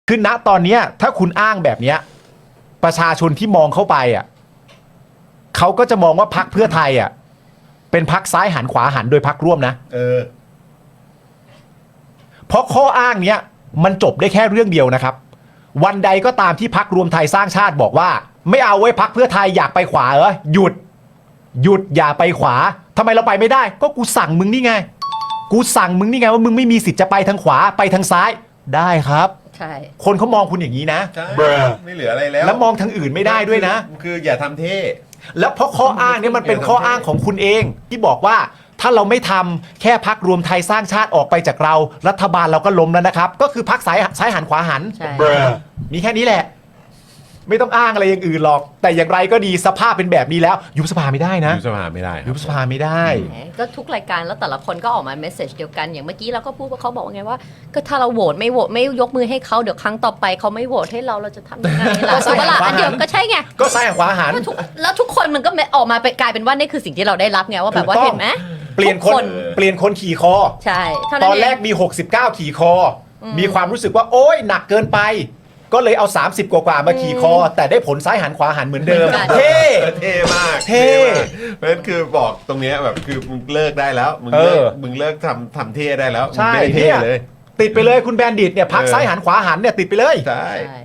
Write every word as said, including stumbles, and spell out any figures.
คือณตอนเนี้ยถ้าคุณอ้างแบบเนี้ยประชาชนที่มองเข้าไปอ่ะเขาก็จะมองว่าพรรคเพื่อไทยอ่ะเป็นพรรคซ้ายหันขวาหันโดยพรรคร่วมนะเออเพราะข้ออ้างเนี้ยมันจบได้แค่เรื่องเดียวนะครับวันใดก็ตามที่พรรครวมไทยสร้างชาติบอกว่าไม่เอาไว้พรรคเพื่อไทยอยากไปขวาเหรอหยุดหยุดอย่าไปขวาทำไมเราไปไม่ได้ก็กูสั่งมึงนี่ไงกูสั่งมึงนี่ไงว่ามึงไม่มีสิทธิ์จะไปทางขวาไปทางซ้ายได้ครับใช่คนเขามองคุณอย่างนี้นะไม่เหลืออะไรแล้วแล้วมองทางอื่นไม่ได้ด้วยนะคืออย่าทำเท่แล้วเพราะข้ออ้างนี้มันเป็นข้ออ้างของคุณเองที่บอกว่าถ้าเราไม่ทำแค่พรรครวมไทยสร้างชาติออกไปจากเรารัฐบาลเราก็ล้มแล้วนะครับก็คือพรรคซ้ายซ้ายหันขวาหันมีแค่นี้แหละไม่ต้องอ้างอะไรอย่างอื่นหรอกแต่อย่างไรก็ดีสภาพเป็นแบบนี้แล้วยุบสภาไม่ได้นะยุบสภาไม่ได้ยุบสภาไม่ได้ก็ทุกรายการแล้วแต่ละคนก็ออกมาเมสเซจเดียวกันอย่างเมื่อกี้เราก็พูดว่าเขาบอกว่าไงว่าก็ถ้าเราโหวตไม่โหวตไม่ยกมือให้เขาเดี๋ยวครั้งต่อไปเขาไม่โหวตให้เราเราจะทำยังไงล่ะถูกปะล่ะอันเดียวก็ใช่ไงก็ซ้ายหันขวาหันแล้วทุกคนมันก็ออกมาไปกลายเป็นว่านี่คือสิ่งที่เราได้รับไงว่าแบบว่าเห็นไหมเปลี่ยนคนเปลี่ยนคนขี่คอใช่ตอนแรกมีหกสิบเก้าขี่คอมีความรู้สึกว่าโอ๊ยหนักเกินไปก็เลยเอาสามสิบกว่าๆมาขี่คอแต่ได้ผลซ้ายหันขวาหันเหมือนเดิมเท่เท่มากเท่เพราะฉะนั้นคือบอกตรงนี้แบบคือมึงเลิกได้แล้วมึงเลิกมึงเลิกทำทำเท่ได้แล้วใช่เท่เลยติดไปเลยคุณแบนดิตเนี่ยพักซ้ายหันขวาหันเนี่ยติดไปเลยใช่